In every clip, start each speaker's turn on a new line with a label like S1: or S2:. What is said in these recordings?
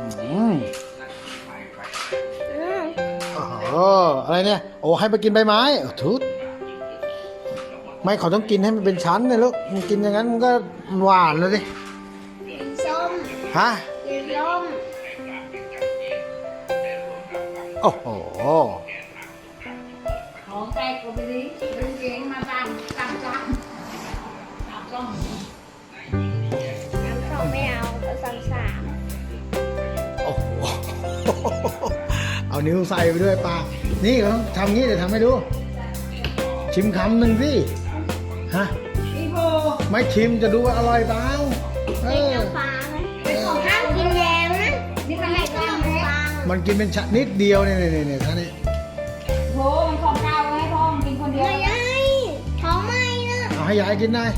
S1: โอ้อะไรเนี่ยโอ้ให้ไปกินใบไม้ทุดไม่เขาต้องกินให้มันเป็นชั้นเลยลูกมันกินอย่างนั้นมันก็หวานเลยดิ
S2: ส้ม
S1: ฮะ
S2: ส้ม
S1: โอ้โห
S3: ของแตกก็ไปดิดึงเก่งมาตามจ้ำส้ม
S2: น้ำส้มไม่เอาเอาสาม
S1: โอ้โหเอานิ้วใส่ไปด้วยป้านี่เขาทำงี้เดี๋ยวทำให้ดูชิมคำหนึ่งสิฮะไม่ชิมจะดูว่าอร่อยเปล่า
S2: น้ำฟ้าไหมห้ามกินแยมนะ
S3: นี่มันไม่ต้องเลย
S1: มันกินเป็นชนิดเดียวเนี่ยท่านนี่
S3: โหมันของเก่าให้พ่อมันกินคนเดียว
S2: ไม่ได้ท้องไม่นะ
S1: เอาให้ยายกินได้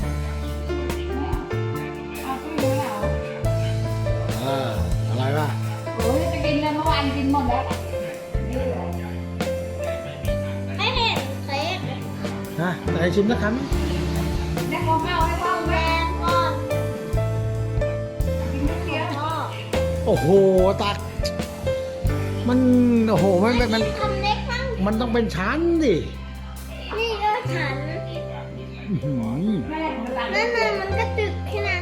S3: เอาขึ้นเลยเหรอ
S1: อะไรวะ
S3: โอ้ยจะกินเลยเมื่อวานกินหมดแล้ว
S2: ไม่เห็นเค้ก
S1: ฮะไหนชิมสักคำ
S3: ได้ของเก่าให้พ่อแม่
S2: แม่ก่อน
S3: กินเดียว
S1: โอ้โหตักมันโอ้โหมัน
S2: ทำเล็กมั้ง
S1: มันต้องเป็นชั้นดิ
S2: นี่ก็ฉัน
S3: แม่ของมัน
S2: นั่นน่ะมันก็ตึกแค่นั้น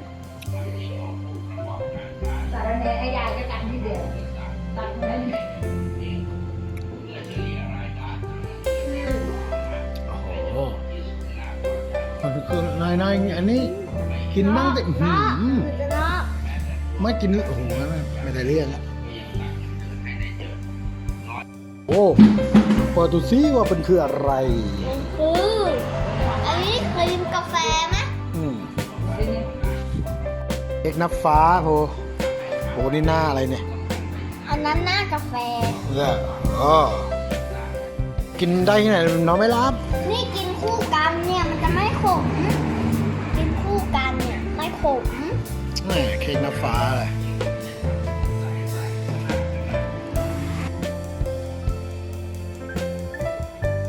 S3: สารเนยไอ้ยายก็ตัดนิดเดียวตัดนั้น
S1: โอ้โหมันคือนายอันนี้กินบ้างแต่ไม่กินโอ้โหไม่ได้เรื่องแล้วโอ้เปิดดูซิว่าเป็นคืออะไร
S2: คืออันนี้ครีมกาแฟไหม
S1: เค้กน้ำฟ้าโหนี่หน้าอะไรเนี่ย
S2: อันนั้นหน้ากาแฟ
S1: เนี่ยกินได้ที่ไหนน้องไม่รับ
S2: นี่กินคู่กันเนี่ยมันจะไม่ขมกินคู่กันเนี่ยไม่ขม
S1: เค้กน้ำฟ้าเลย